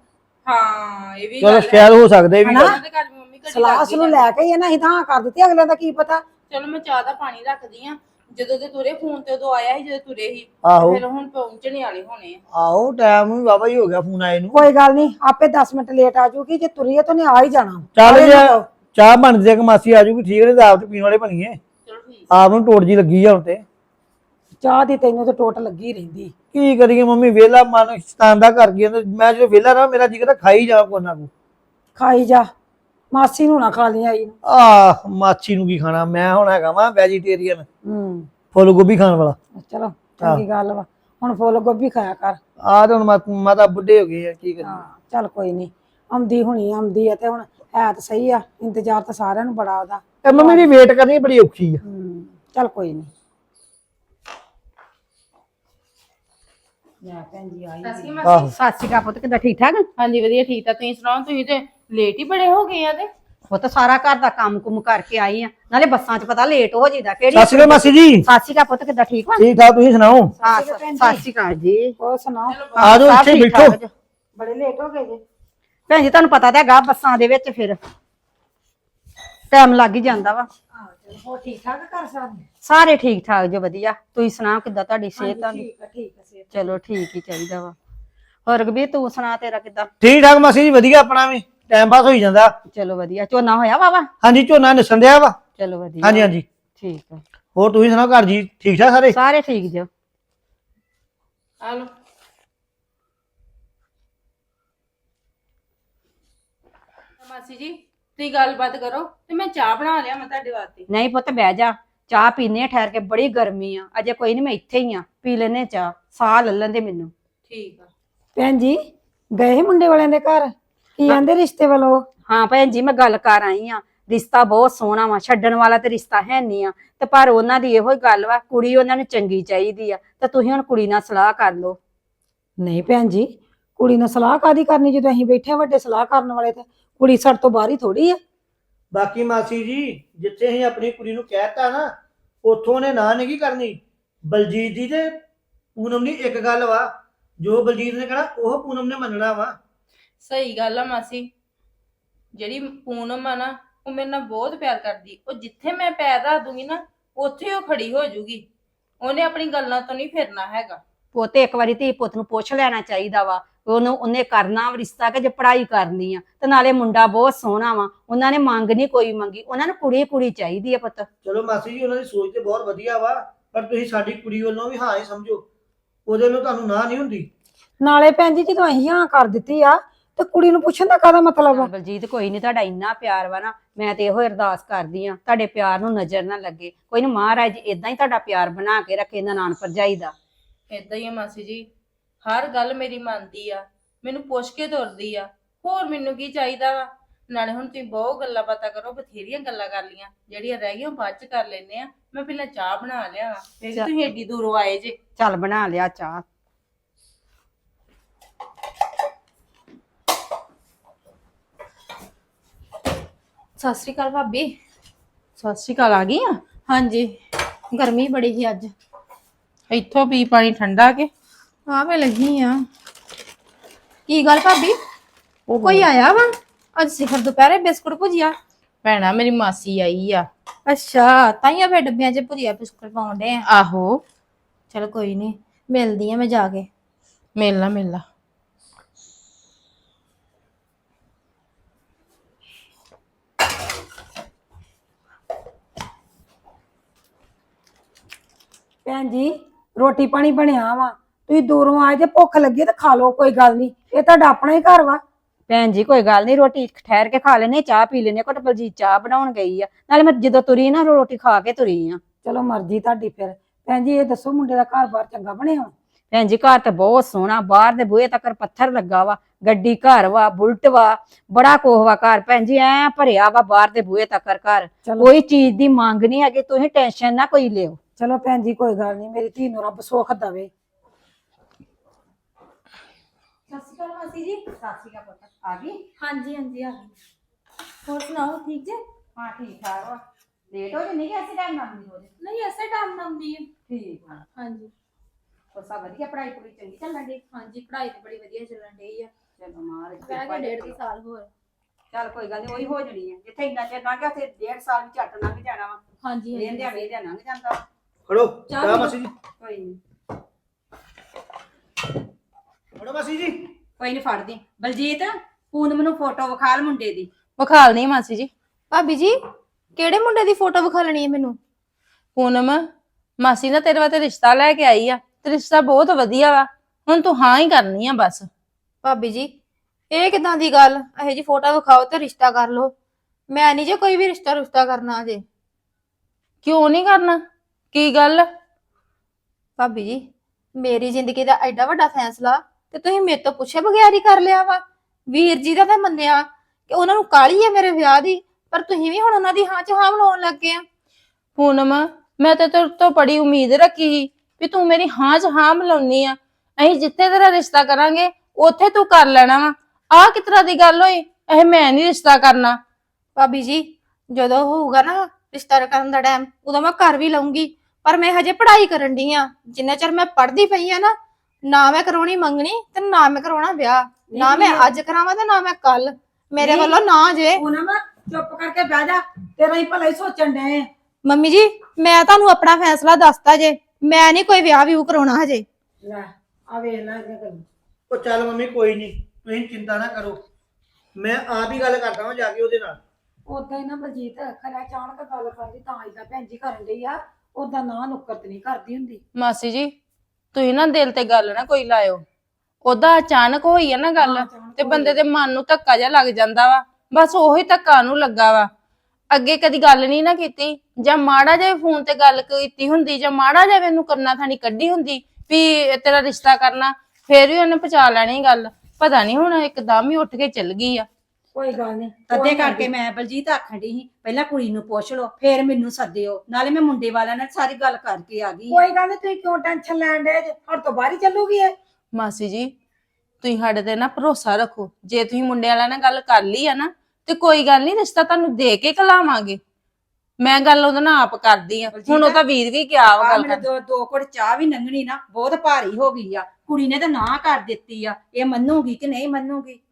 Speaker 3: ਹਾਂ ਇਹ ਵੀ
Speaker 2: ਚਲੋ ਸ਼ਾਇਦ ਹੋ ਸਕਦਾ ਇਹ ਵੀ ਗੱਲ।
Speaker 3: ਉਹਨਾਂ ਦੇ ਘਰ ਵੀ ਮੰਮੀ ਘੜੀ
Speaker 1: ਸਲਾਹ
Speaker 3: ਲੱਗ ਗਈ
Speaker 1: ਨੂੰ ਲੈ ਕੇ ਹੀ ਇਹਨਾਂ ਹੀ ਤਾਂ ਕਰ ਦਿੱਤੀ, ਅਗਲੇ ਦਾ ਕੀ ਪਤਾ।
Speaker 3: ਚਲੋ ਮੈਂ ਚਾਹ ਦਾ ਪਾਣੀ ਰੱਖਦੀ ਆ, ਜਦੋਂ ਤੇ ਤੁਰੇ ਫੋਨ ਤੇ ਉਦੋਂ ਆਇਆ ਸੀ ਜਦੋਂ ਤੁਰੇ ਸੀ
Speaker 2: ਆਹੋ
Speaker 3: ਫਿਰ ਹੁਣ ਪਹੁੰਚਣੇ ਵਾਲੇ ਹੋਣੇ ਆ।
Speaker 2: ਆਹੋ ਟਾਈਮ ਵੀ ਵਾਵਾ ਹੀ ਹੋ ਗਿਆ ਫੋਨ ਆਏ ਨੂੰ।
Speaker 1: ਕੋਈ ਗੱਲ ਨਹੀਂ, ਆਪੇ ਦਸ ਮਿੰਟ ਲੇਟ ਆ ਜੂਗੀ, ਜੇ ਤੁਰੀ ਹੈ ਤਾਂ ਉਹਨੇ ਆ ਹੀ ਜਾਣਾ।
Speaker 2: ਚੱਲ ਜੇ ਚਾਹ ਬਣ ਜੇ ਕਿ ਮਾਸੀ ਆ ਜੂਗੀ ਠੀਕ ਨੇ ਤੇ ਆਪ ਤੇ ਪੀਣ ਵਾਲੇ ਬਣੀਏ।
Speaker 3: ਚਲੋ ਠੀਕ।
Speaker 2: ਆਪ ਨੂੰ ਟੋਟ ਜੀ ਲੱਗੀ ਆ ਹੁਣ ਤੇ।
Speaker 1: ਚਾਹ ਦੀ ਤੈਨੂੰ ਤਾਂ ਟੋਟ ਲੱਗੀ ਰਹਿੰਦੀ।
Speaker 2: ਕੀ ਕਰੀਏ ਮੰਮੀ ਵਿਹਲਾ ਮਨ ਸ਼ਤਾਨ ਦਾ ਕਰ ਗਿਆ, ਮੈਂ ਜਦੋਂ ਵਿਹਲਾ ਰਹਾ ਮੇਰਾ ਜੀ ਕਰਦਾ ਖਾਈ ਜਾ ਕੋ ਨਾ ਕੋ।
Speaker 1: ਖਾਈ ਜਾ, ਮਾਸੀ ਨੂੰ ਨਾ ਖਾ ਲਈ ਆਈ ਨੂੰ।
Speaker 2: ਆਹ ਮਾਛੀ ਨੂੰ ਕੀ ਖਾਣਾ, ਮੈਂ ਹੁਣ ਹੈਗਾ ਵਾਂ ਵੈਜੀਟੇਰੀਅਨ,
Speaker 1: ਹੂੰ
Speaker 2: ਫੁੱਲ ਗੋਭੀ ਖਾਣ ਵਾਲਾ।
Speaker 1: ਚਲੋ ਚੰਗੀ ਗੱਲ ਵਾ, ਹੁਣ ਫੁੱਲ ਗੋਭੀ ਖਾਇਆ ਕਰ।
Speaker 2: ਆਹ ਤੇ ਹੁਣ ਮਾ- ਮਾਤਾ ਬੁੱਢੇ ਹੋ ਗਏ ਆ, ਕੀ ਕਰੀਏ।
Speaker 1: ਹਾਂ ਚੱਲ ਕੋਈ ਨਹੀਂ, ਆਉਂਦੀ ਹੁਣੀ ਆਉਂਦੀ ਆ ਤੇ ਹੁਣ ਹੈ ਤਾਂ ਸਹੀ ਆ, ਇੰਤਜ਼ਾਰ ਤਾਂ ਸਾਰਿਆਂ ਨੂੰ ਬੜਾ ਉਹਦਾ।
Speaker 2: ਤੇ ਮੰਮੀ ਦੀ ਵੇਟ ਕਰਨੀ ਬੜੀ ਔਖੀ ਆ।
Speaker 1: ਹੂੰ ਚੱਲ ਕੋਈ ਨਹੀਂ। ਮੈਂ ਭੈਣ ਜੀ ਆਈ
Speaker 3: ਸਸਕੀ
Speaker 2: ਆਹੋ
Speaker 3: ਮਾਸੀ।
Speaker 5: ਸਤਿ ਸ਼੍ਰੀ ਅਕਾਲ ਪੁੱਤ, ਕਿੱਦਾਂ ਠੀਕ ਠਾਕ?
Speaker 3: ਹਾਂਜੀ ਵਧੀਆ ਠੀਕ ਆ, ਤੁਸੀਂ ਸੁਣਾਓ? ਤੁਸੀਂ ਤੇ ਲੇਟ ਹੀ ਬੜੇ ਹੋ ਗਏ ਆ ਤੇ।
Speaker 5: ਪੁੱਤ ਸਾਰਾ ਘਰ ਦਾ ਕੰਮ ਕੁਮ ਕਰਕੇ ਆਈ ਆ, ਨਾਲੇ ਬੱਸਾਂ 'ਚ ਪਤਾ ਲੇਟ ਹੋ ਜਾਈਦਾ। ਕਿਹੜੀ
Speaker 2: ਸਤਿ ਸ਼੍ਰੀ ਅਕਾਲ ਮਾਸੀ ਜੀ।
Speaker 5: ਸਤਿ ਸ਼੍ਰੀ ਅਕਾਲ ਪੁੱਤ, ਕਿੱਦਾਂ ਠੀਕ ਵਾ?
Speaker 2: ਠੀਕ ਠਾਕ, ਤੁਸੀਂ ਸੁਣਾਓ?
Speaker 5: ਹਾਂ, ਸਤਿ ਸ਼੍ਰੀ ਅਕਾਲ ਜੀ।
Speaker 1: ਹੋਰ ਸੁਣਾਓ?
Speaker 2: ਆ ਜਾਓ
Speaker 5: ਸਭ
Speaker 2: ਇੱਥੇ
Speaker 5: ਠੀਕ
Speaker 2: ਬੈਠੋ।
Speaker 5: ਠਾਕ ਜੀ।
Speaker 1: ਬੜੇ ਲੇਟ ਹੋ ਗਏ ਜੇ।
Speaker 5: ਭੈਣ ਜੀ ਤੁਹਾਨੂੰ ਪਤਾ ਤਾਂ ਹੈਗਾ ਬੱਸਾਂ ਦੇ ਵਿੱਚ ਫਿਰ ਟਾਈਮ ਲੱਗ ਹੀ ਜਾਂਦਾ ਵਾ।
Speaker 1: ਹਾਂ ਚਲੋ, ਹੋਰ ਠੀਕ ਠਾਕ ਘਰ ਸਾਰੇ?
Speaker 5: ਸਾਰੇ ਠੀਕ ਠਾਕ ਜੋ ਵਧੀਆ। ਤੁਸੀਂ ਸੁਣਾਓ ਕਿੱਦਾਂ ਤੁਹਾਡੀ ਸਿਹਤ? ਤੁਹਾਡੀ
Speaker 1: ਠੀਕ ਆ ਠੀਕ ਆ ਸਿਹਤ।
Speaker 5: ਚਲੋ ਠੀਕ ਹੀ ਚਾਹੀਦਾ ਵਾ। ਹੋਰ ਰਘਬੀਰ ਤੂੰ ਸੁਣਾ, ਤੇਰਾ ਕਿੱਦਾਂ?
Speaker 2: ਠੀਕ ਠਾਕ ਮਾਸੀ ਜੀ, ਵਧੀਆ, ਆਪਣਾ ਵੀ ਟਾਈਮ ਪਾਸ ਹੋਈ ਜਾਂਦਾ।
Speaker 5: ਚਲੋ ਵਧੀਆ। ਝੋਨਾ ਹੋਇਆ ਵਾਵਾ?
Speaker 2: ਹਾਂਜੀ ਝੋਨਾ ਨਿਸਣ ਡਿਆ ਵਾ।
Speaker 5: ਚਲੋ ਵਧੀਆ।
Speaker 2: ਹਾਂਜੀ ਹਾਂਜੀ।
Speaker 5: ਠੀਕ ਆ,
Speaker 2: ਹੋਰ ਤੁਸੀਂ ਸੁਣਾਓ ਘਰ ਜੀ ਠੀਕ ਠਾਕ ਸਾਰੇ?
Speaker 5: ਸਾਰੇ ਠੀਕ ਜੋ।
Speaker 3: ਆ ਲੋ। ਮਾਸੀ ਜੀ ਤੁਸੀਂ ਗੱਲਬਾਤ ਕਰੋ ਤੇ ਮੈਂ ਚਾਹ ਬਣਾ ਲਿਆ ਮੈਂ ਤੁਹਾਡੇ ਵਾਸਤੇ।
Speaker 5: ਨਹੀਂ ਪੁੱਤ ਬਹਿ ਜਾ, ਚਾਹ ਪੀਨੇ ਆ ਠਹਿਰ ਕੇ, ਬੜੀ ਗਰਮੀ ਆ ਅਜੇ। ਕੋਈ ਨਹੀਂ ਮੈਂ ਇੱਥੇ ਹੀ ਆ, ਪੀ ਲੈਨੇ ਚਾਹ, ਸਾਹ ਲੈ ਲੈਂਦੇ ਮੈਨੂੰ।
Speaker 3: ਠੀਕ ਆ।
Speaker 1: ਭੈਣ ਜੀ ਗਏ ਸੀ ਮੁੰਡੇ ਵਾਲਿਆਂ ਦੇ ਘਰ, ਕੀ ਆਂਦੇ ਰਿਸ਼ਤੇ ਵੱਲੋਂ?
Speaker 5: ਹਾਂ ਭੈਣ ਜੀ ਮੈਂ ਗੱਲ ਕਰ ਆਈ ਆ, ਰਿਸ਼ਤਾ ਬਹੁਤ ਸੋਹਣਾ ਵਾ, ਛੱਡਣ ਵਾਲਾ ਤੇ ਰਿਸ਼ਤਾ ਹੈ ਨਹੀਂ ਆ। ਤੇ ਪਰ ਉਹਨਾਂ ਦੀ ਇਹੋ ਹੀ ਗੱਲ ਵਾ, ਕੁੜੀ ਉਹਨਾਂ ਨੂੰ ਚੰਗੀ ਚਾਹੀਦੀ ਆ, ਤੇ ਤੁਸੀਂ ਹੁਣ ਕੁੜੀ ਨਾਲ ਸਲਾਹ ਕਰ ਲਓ।
Speaker 1: ਨਹੀਂ ਭੈਣ ਜੀ, ਕੁੜੀ ਨਾਲ ਸਲਾਹ ਕਾਦੀ ਕਰਨੀ ਜਦੋਂ ਅਸੀਂ ਬੈਠੇ ਆ ਵੱਡੇ ਸਲਾਹ ਕਰਨ ਵਾਲੇ? ਤੇ ਕੁੜੀ ਸਾਡੇ ਤੋਂ ਬਾਹਰ ਹੀ ਥੋੜੀ ਆ।
Speaker 2: ਬਾਕੀ ਮਾਸੀ ਜੀ ਜਿੱਥੇ ਅਸੀਂ ਆਪਣੀ ਕੁੜੀ ਨੂੰ ਕਹਿਤਾ ਨਾ, ਉੱਥੋਂ ਨੇ ਨਾ ਨਹੀਂ ਕਰਨੀ। ਬਲਜੀਤ ਦੀ ਤੇ ਪੂਨਮ ਦੀ ਇੱਕ ਗੱਲ ਵਾ, ਜੋ ਬਲਜੀਤ ਨੇ ਕਹਿਣਾ ਉਹ ਪੂਨਮ ਨੇ ਮੰਨਣਾ ਵਾ।
Speaker 3: ਸਹੀ ਗੱਲ ਆ ਮਾਸੀ, ਜਿਹੜੀ ਪੂਨਮ ਆ ਨਾ ਉਹ ਮੇਰੇ ਨਾਲ ਬਹੁਤ ਪਿਆਰ ਕਰਦੀ। ਉਹ ਜਿੱਥੇ ਮੈਂ ਪੈਰ ਰੱਖ ਦੂੰਗੀ ਨਾ ਉੱਥੇ ਉਹ ਖੜੀ ਹੋ ਜਾਊਗੀ। ਉਹਨੇ ਆਪਣੀ ਗੱਲਾਂ ਤੋਂ ਨਹੀਂ ਫਿਰਨਾ ਹੈਗਾ।
Speaker 5: ਪੋਤੇ ਇੱਕ ਵਾਰੀ ਧੀ ਪੁੱਤ ਨੂੰ ਪੁੱਛ ਲੈਣਾ ਚਾਹੀਦਾ ਵਾ, ਉਹਨੂੰ ਉਹਨੇ ਕਰਨਾ ਵਾ ਰਿਸ਼ਤਾ ਕਿ ਜੇ ਪੜ੍ਹਾਈ ਕਰਨੀ ਆ। ਤੇ ਨਾਲੇ ਮੁੰਡਾ ਬਹੁਤ ਸੋਹਣਾ ਵਾ, ਉਹਨਾਂ ਨੇ ਮੰਗ ਨਹੀਂ ਕੋਈ ਮੰਗੀ, ਉਹਨਾਂ ਨੂੰ ਕੁੜੀ ਕੁੜੀ ਚਾਹੀਦੀ ਆ ਪੁੱਤ।
Speaker 2: ਚਲੋ ਮਾਸੀ ਜੀ ਉਹਨਾਂ ਦੀ ਸੋਚ ਤੇ ਬਹੁਤ ਵਧੀਆ ਵਾ, ਪਰ ਤੁਸੀਂ ਸਾਡੀ ਕੁੜੀ ਵੱਲੋਂ ਵੀ ਹਾਂ ਹੀ ਸਮਝੋ, ਉਹਦੇ ਵੱਲੋਂ ਤੁਹਾਨੂੰ ਨਾ ਨਹੀਂ ਹੁੰਦੀ।
Speaker 1: ਨਾਲੇ ਭੈਣ ਜੀ ਜਦੋਂ ਅਸੀਂ ਹਾਂ ਕਰ ਦਿੱਤੀ ਆ ਤੇ ਕੁੜੀ ਨੂੰ ਪੁੱਛਣ ਦਾ ਕਾਹਦਾ ਮਤਲਬ ਆ?
Speaker 5: ਬਲਜੀਤ ਕੋਈ ਨਹੀਂ, ਤੁਹਾਡਾ ਇੰਨਾ ਪਿਆਰ ਵਾ ਨਾ, ਮੈਂ ਤੇ ਇਹੋ ਅਰਦਾਸ ਕਰਦੀ ਆ ਤੁਹਾਡੇ ਪਿਆਰ ਨੂੰ ਨਜ਼ਰ ਨਾ ਲੱਗੇ। ਕੋਈ ਨਹੀਂ, ਮਹਾਰਾਜ ਇਦਾਂ ਹੀ ਤੁਹਾਡਾ ਪਿਆਰ ਬਣਾ ਕੇ ਰੱਖੇ ਨਨਾਣ ਭਰਜਾਈ ਦਾ।
Speaker 3: ਏਦਾਂ ਹੀ ਆ ਮਾਸੀ ਜੀ, ਹਰ ਗੱਲ ਮੇਰੀ ਮੰਨਦੀ ਆ, ਮੈਨੂੰ ਪੁੱਛ ਕੇ ਤੁਰਦੀ ਆ। ਹੋਰ ਮੈਨੂੰ ਕੀ ਚਾਹੀਦਾ ਵਾ? ਨਾਲੇ ਹੁਣ ਤੁਸੀਂ ਬਹੁਤ ਗੱਲਾਂ ਬਾਤਾਂ ਕਰੋ, ਬਥੇਰੀਆਂ ਗੱਲਾਂ ਕਰ ਲੀਆਂ, ਜਿਹੜੀਆਂ ਰਹਿ ਗਈਆਂ ਬਾਅਦ ਚ ਕਰ ਲੈਨੇ ਆ। ਮੈਂ ਪਹਿਲਾਂ ਚਾਹ ਬਣਾ ਲਿਆ ਵਾ, ਫਿਰ ਤੁਸੀਂ ਏਡੀ ਦੂਰੋਂ ਆਏ ਜੇ।
Speaker 5: ਚੱਲ ਬਣਾ ਲਿਆ ਚਾਹ।
Speaker 4: ਸਤਿ ਸ਼੍ਰੀ ਅਕਾਲ ਭਾਬੀ।
Speaker 3: ਸਤਿ ਸ਼੍ਰੀ ਅਕਾਲ। ਆ ਗਈ ਆ?
Speaker 4: ਹਾਂਜੀ, ਗਰਮੀ ਬੜੀ ਸੀ ਅੱਜ।
Speaker 3: ਇੱਥੋਂ ਪੀ ਪਾਣੀ ਠੰਡਾ ਕੇ।
Speaker 4: ਆ ਮੈਂ ਲੱਗੀ ਆ। ਕੀ ਗੱਲ ਭਾਬੀ, ਉਹ ਕੋਈ ਆਇਆ ਵਾ ਅੱਜ? ਸਿਖਰ ਦੁਪਹਿਰੇ ਬਿਸਕੁਟ ਭੁਜਿਆ?
Speaker 3: ਭੈਣਾ ਮੇਰੀ ਮਾਸੀ ਆਈ ਆ।
Speaker 4: ਅੱਛਾ, ਤਾਈਆਂ ਫੇ ਡੱਬਿਆਂ 'ਚ ਭੁਜਿਆ ਬਿਸਕੁਟ ਪਾਉਂਦੇ ਆ।
Speaker 3: ਆਹੋ।
Speaker 4: ਚਲ ਕੋਈ ਨਹੀਂ, ਮਿਲਦੀ ਆ ਮੈਂ ਜਾ ਕੇ।
Speaker 3: ਮਿਲ ਲਾ ਮਿਲ ਲਾ।
Speaker 1: ਭੈਣ ਜੀ ਰੋਟੀ ਪਾਣੀ ਬਣਿਆ ਵਾ, ਤੁਸੀਂ ਦੂਰੋਂ ਆਏ ਜੇ, ਭੁੱਖ ਲੱਗੀ ਤੇ ਖਾ ਲਓ, ਕੋਈ ਗੱਲ ਨਹੀਂ, ਇਹ ਤੁਹਾਡਾ ਆਪਣਾ ਹੀ ਘਰ ਵਾ।
Speaker 5: ਭੈਣ ਜੀ ਕੋਈ ਗੱਲ ਨਹੀਂ, ਰੋਟੀ ਠਹਿਰ ਕੇ ਖਾ ਲੈਨੇ, ਚਾਹ ਪੀ ਲੈਨੇ। ਘੁੱਟ ਬਲਜੀਤ ਚਾਹ ਬਣਾਉਣ ਗਈ ਆ, ਨਾਲੇ ਮੈਂ ਜਦੋਂ ਤੁਰੀ ਨਾ ਰੋਟੀ ਖਾ ਕੇ ਤੁਰੀ ਆ।
Speaker 1: ਚਲੋ ਮਰਜ਼ੀ ਤੁਹਾਡੀ। ਫਿਰ ਭੈਣ ਜੀ ਇਹ ਦੱਸੋ ਮੁੰਡੇ ਦਾ ਘਰ ਬਾਰ ਚੰਗਾ ਬਣਿਆ ਵਾ?
Speaker 5: ਭੈਣ ਜੀ ਘਰ ਤੇ ਬਹੁਤ ਸੋਹਣਾ, ਬਾਹਰ ਦੇ ਬੂਹੇ ਤੱਕ ਪੱਥਰ ਲੱਗਾ ਵਾ, ਗੱਡੀ ਘਰ ਵਾ, ਬੁਲਟ ਵਾ, ਬੜਾ ਕੋਹ ਵਾ ਘਰ। ਭੈਣ ਜੀ ਐ ਭਰਿਆ ਵਾ ਬਾਹਰ ਦੇ ਬੂਹੇ ਤੱਕ ਘਰ,
Speaker 1: ਚਲੋ
Speaker 5: ਕੋਈ ਚੀਜ਼ ਦੀ ਮੰਗ ਨਹੀਂ ਹੈਗੀ, ਤੁਸੀਂ ਟੈਨਸ਼ਨ ਨਾ ਕੋਈ ਲਿਓ।
Speaker 1: ਚਲੋ ਭੈਣ ਜੀ ਕੋਈ ਗੱਲ ਨਹੀਂ, ਮੇਰੀ ਧੀ ਨੂੰ ਰੱਬ ਸੁੱਖ ਦੇਵੇ।
Speaker 4: ਸਤਿ ਸ਼੍ਰੀ ਅਕਾਲ ਮਾਸੀ ਜੀ।
Speaker 5: ਸਤਿ ਸ਼੍ਰੀ ਅਕਾਲ ਪੁੱਤ, ਆ ਗਈ?
Speaker 4: ਹਾਂਜੀ ਹਾਂਜੀ ਆ ਗਈ। ਹੋਰ ਸੁਣਾਓ, ਠੀਕ ਜੇ?
Speaker 5: ਹਾਂ ਠੀਕ ਠਾਕ ਵਾ। ਲੇਟ ਹੋ ਜੰਨੀ ਕਿ ਐਸੀ ਟਾਈਮ ਨਾਲ ਨਹੀਂ ਹੋ ਜੇ?
Speaker 4: ਨਹੀਂ ਐਸੇ ਟਾਈਮ ਨਾਲ ਆਉਂਦੀ ਹੈ।
Speaker 5: ਠੀਕ ਆ।
Speaker 4: ਹਾਂਜੀ
Speaker 5: ਹੋਰ ਸਭ ਵਧੀਆ, ਪੜ੍ਹਾਈ ਪੂਰੀ ਚੰਗੀ ਚੱਲਣ ਦੀ?
Speaker 4: ਹਾਂਜੀ, ਪੜ੍ਹਾਈ ਤੇ ਬੜੀ ਵਧੀਆ ਚੱਲਣ ਡਈ ਆ।
Speaker 5: ਚਲੋ ਮਾਰ
Speaker 4: ਰਹਿ ਗਏ ਡੇਢ ਕੁ ਸਾਲ ਹੋਰ।
Speaker 5: ਚੱਲ ਕੋਈ ਗੱਲ ਨਹੀਂ, ਉਹੀ ਹੋ ਜਣੀ ਆ। ਜਿੱਥੇ ਇੰਨਾ ਚਿਰ ਲੰਘ ਗਿਆ ਉੱਥੇ ਡੇਢ ਸਾਲ ਵੀ ਝੱਟ ਲੰਘ ਜਾਣਾ ਵਾ।
Speaker 4: ਹਾਂਜੀ
Speaker 5: ਵੇਂਦਿਆ ਵੇਂਦਿਆ ਲੰਘ ਜਾਂਦਾ।
Speaker 2: ਫੜੋ
Speaker 5: ਚਾਹ
Speaker 2: ਚਾਹ
Speaker 5: ਪੀ
Speaker 2: ਮਾਸੀ ਜੀ
Speaker 5: ਕੋਈ ਨਹੀਂ
Speaker 2: ਫੜੋ ਮਾਸੀ ਜੀ।
Speaker 5: ਕੋਈ ਨਹੀਂ ਫੜਦੀ। ਬਲਜੀਤ ਪੂਨਮ ਨੂੰ ਫੋਟੋ ਵਿਖਾਲ ਮੁੰਡੇ ਦੀ।
Speaker 3: ਵਿਖਾਲਣੀ ਮਾਸੀ ਜੀ।
Speaker 4: ਭਾਬੀ ਜੀ ਕਿਹੜੇ ਮੁੰਡੇ ਦੀ ਫੋਟੋ ਵਿਖਾਲਣੀ ਹੈ ਮੈਨੂੰ?
Speaker 3: ਪੂਨਮ ਮਾਸੀ ਨਾ ਤੇਰੇ ਵਾਸਤੇ ਰਿਸ਼ਤਾ ਲੈ ਕੇ ਆਈ ਆ ਤੇ ਰਿਸ਼ਤਾ ਬਹੁਤ ਵਧੀਆ ਵਾ, ਹੁਣ ਤੂੰ ਹਾਂ ਹੀ ਕਰਨੀ ਆ ਬਸ।
Speaker 4: ਭਾਬੀ ਜੀ ਇਹ ਕਿਦਾਂ ਦੀ ਗੱਲ? ਇਹੋ ਜੀ ਫੋਟੋ ਵਿਖਾਓ ਤੇ ਰਿਸ਼ਤਾ ਕਰ ਲਓ। ਮੈਂ ਨਹੀਂ ਜੇ ਕੋਈ ਵੀ ਰਿਸ਼ਤਾ ਰੁਸ਼ਤਾ ਕਰਨਾ ਜੇ।
Speaker 3: ਕਿਉਂ ਨਹੀਂ ਕਰਨਾ? ਕੀ ਗੱਲ?
Speaker 4: ਭਾਬੀ ਜੀ ਮੇਰੀ ਜ਼ਿੰਦਗੀ ਦਾ ਐਡਾ ਵੱਡਾ ਫੈਸਲਾ ਤੇ ਤੁਸੀਂ ਮੇਰੇ ਤੋਂ ਪੁੱਛੇ ਬਗੈਰ ਹੀ ਕਰ ਲਿਆ ਵਾ। ਵੀਰ ਜੀ ਦਾ ਤਾਂ ਮੰਨਿਆ ਕਿ ਉਹਨਾਂ ਨੂੰ ਕਾਹਲੀ ਹੈ ਮੇਰੇ ਵਿਆਹ ਦੀ, ਪਰ ਤੁਸੀਂ ਵੀ ਹੁਣ ਉਹਨਾਂ ਦੀ ਹਾਂ ਚ ਹਾਂ ਮਿਲਾਉਣ ਲੱਗੇ ਆ।
Speaker 3: ਪੂਨਮ ਮੈਂ ਤੇ ਤੇਰੇ ਤੋਂ ਬੜੀ ਉਮੀਦ ਰੱਖੀ ਸੀ ਵੀ ਤੂੰ ਮੇਰੀ ਹਾਂ ਚ ਹਾਂ ਮਿਲਾਉਣੀ ਆ। ਅਸੀਂ ਜਿੱਥੇ ਤੇਰਾ ਰਿਸ਼ਤਾ ਕਰਾਂਗੇ ਉੱਥੇ ਤੂੰ ਕਰ ਲੈਣਾ ਵਾ। ਆਹ ਕਿਸ ਤਰ੍ਹਾਂ ਦੀ ਗੱਲ ਹੋਈ? ਇਹ ਮੈਂ ਨਹੀਂ ਰਿਸ਼ਤਾ ਕਰਨਾ।
Speaker 4: ਭਾਬੀ ਜੀ ਜਦੋਂ ਹੋਊਗਾ ਨਾ ਰਿਸ਼ਤਾ ਕਰਨ ਦਾ ਟਾਈਮ, ਉਦੋਂ ਮੈਂ ਕਰ ਵੀ ਲਊਂਗੀ, ਪਰ ਮੈਂ ਹਜੇ ਪੜ੍ਹਾਈ ਕਰਨ ਡਈ ਆ। ਜਿੰਨਾ ਚਿਰ ਮੈਂ ਪੜ੍ਹਦੀ ਪਈ ਆ ਨਾ, ਨਾ ਮੈਂ ਕਰਾਉਣੀ ਮੰਗਣੀ ਤੇ ਨਾ ਮੈਂ ਕਰਾਉਣਾ ਵਿਆਹ। ਨਾ ਮੈਂ ਅੱਜ ਕਰਾਵਾਂ ਤੇ ਨਾ ਮੈਂ ਕੱਲ। ਮੇਰੇ
Speaker 1: ਨਹੀਂ।
Speaker 4: ਵੱਲੋਂ ਨਾ ਜੇ।
Speaker 1: ਪੂਨਮ ਚੁੱਪ ਕਰਕੇ ਬਹਿ ਜਾ, ਤੇਰਾ ਹੀ ਭਲਾ ਹੀ ਸੋਚਣ ਡਏ ਆ।
Speaker 4: ਮੰਮੀ ਜੀ ਮੈਂ ਤੁਹਾਨੂੰ ਆਪਣਾ ਫੈਸਲਾ ਦੱਸਤਾ ਜੇ, ਮੈਂ ਨਹੀਂ ਕੋਈ ਵਿਆਹ ਵਿਊ ਕਰਾਉਣਾ ਹਜੇ।
Speaker 1: ਲੈ ਆ ਵੇਖ ਲੈ ਇਹ ਗੱਲ।
Speaker 2: ਉਹ ਚੱਲ ਮੰਮੀ ਕੋਈ ਨਹੀਂ, ਤੁਸੀਂ ਚਿੰਤਾ ਨਾ ਕਰੋ, ਮੈਂ ਆਪ ਹੀ ਗੱਲ ਕਰਦਾ ਹਾਂ ਜਾ ਕੇ ਉਹਦੇ ਨਾਲ।
Speaker 1: ਉਦਾਂ ਹੀ ਨਾ ਬਲਜੀਤ ਖਰਾ ਅਚਾਨਕ ਗੱਲ ਕਰਦੀ ਤਾਂ ਇਦਾਂ ਭੈਣ ਜੀ ਕਰਨ ਡਈ ਆ। ਉਦਾਂ ਨਾ ਨੁੱਕਰਤ ਨਹੀਂ ਕਰਦੀ ਹੁੰਦੀ।
Speaker 3: ਮਾਸੀ ਜੀ ਤੁਸੀਂ ਨਾ ਦਿਲ ਤੇ ਗੱਲ ਨਾ ਕੋਈ ਲਾਇਓ। ਉਹਦਾ ਅਚਾਨਕ ਹੋਈ ਆ ਨਾ ਗੱਲ
Speaker 1: ਹਾਂ, ਅਚਾਨਕ
Speaker 3: ਤੇ
Speaker 1: ਹੋਈ
Speaker 3: ਬੰਦੇ ਦੇ ਮਨ ਨੂੰ ਧੱਕਾ ਜਿਹਾ ਲੱਗ ਜਾਂਦਾ ਵਾ। ਬਸ ਉਹੀ ਧੱਕਾ ਨੂੰ ਲੱਗਾ ਵਾ। ਅੱਗੇ ਕਦੀ ਗੱਲ ਨਹੀਂ ਨਾ ਕੀਤੀ, ਜਾਂ ਮਾੜਾ ਜਿਹਾ ਫੋਨ ਤੇ ਗੱਲ ਕੀਤੀ ਹੁੰਦੀ, ਜਾਂ ਮਾੜਾ ਜਿਹਾ ਮੈਨੂੰ ਕਰਨਾ ਥਾਣੀ ਕੱਢੀ ਹੁੰਦੀ ਵੀ ਤੇਰਾ ਰਿਸ਼ਤਾ ਕਰਨਾ, ਫੇਰ ਵੀ ਉਹਨੇ ਪਚਾ ਲੈਣੀ ਗੱਲ। ਪਤਾ ਨਹੀਂ ਹੁਣ ਇੱਕਦਮ ਹੀ ਉੱਠ ਕੇ ਚੱਲ ਗਈ ਆ।
Speaker 1: ਕੋਈ ਗੱਲ ਨਹੀਂ।
Speaker 5: ਤਦੇ ਕਰਕੇ ਮੈਂ ਬਲਜੀਤ ਆਖਣ ਡਈ ਸੀ ਪਹਿਲਾਂ ਕੁੜੀ ਨੂੰ ਪੁੱਛ ਲਓ ਫੇਰ ਮੈਨੂੰ ਸੱਦਿਓ। ਨਾਲੇ ਮੈਂ ਮੁੰਡੇ ਵਾਲਿਆਂ ਨਾਲ ਸਾਰੀ ਗੱਲ ਕਰਕੇ ਆ ਗਈ।
Speaker 1: ਕੋਈ ਗੱਲ ਨਹੀਂ, ਤੁਸੀਂ ਕਿਉਂ ਟੈਨਸ਼ਨ ਲੈਣ ਡਏ ਜੇ? ਹੁਣ ਤੋਂ ਬਾਹਰ ਹੀ ਚੱਲੂਗੀ ਇਹ।
Speaker 3: ਮਾਸੀ ਜੀ ਤੁਸੀਂ ਸਾਡੇ ਤੇ ਨਾ ਭਰੋਸਾ ਰੱਖੋ। ਜੇ ਤੁਸੀਂ ਮੁੰਡੇ ਵਾਲਿਆਂ ਨਾਲ ਗੱਲ ਕਰ ਲਈ ਆ ਨਾ ਤੇ ਕੋਈ ਗੱਲ ਨਹੀਂ, ਰਿਸ਼ਤਾ ਤੁਹਾਨੂੰ ਦੇ ਕੇ ਕਲਾਵਾਂਗੇ। ਮੈਂ ਗੱਲ ਉਹਦੇ ਨਾਲ ਆਪ ਕਰਦੀ ਆ। ਹੁਣ ਉਹਦਾ ਵੀਰ ਵੀ ਗਿਆ ਵਾ
Speaker 5: ਆ
Speaker 3: ਗੱਲ
Speaker 5: ਮੈਨੂੰ
Speaker 3: ਕਰ।
Speaker 5: ਦੋ ਦੋ ਘੁੱਟ ਚਾਹ ਵੀ ਲੰਘਣੀ ਨਾ ਬਹੁਤ ਭਾਰੀ ਹੋ ਗਈ ਆ। ਕੁੜੀ ਨੇ ਤਾਂ ਨਾ ਕਰ ਦਿੱਤੀ ਆ। ਇਹ ਮੰਨੂਗੀ ਕਿ ਨਹੀਂ ਮੰਨੂਗੀ?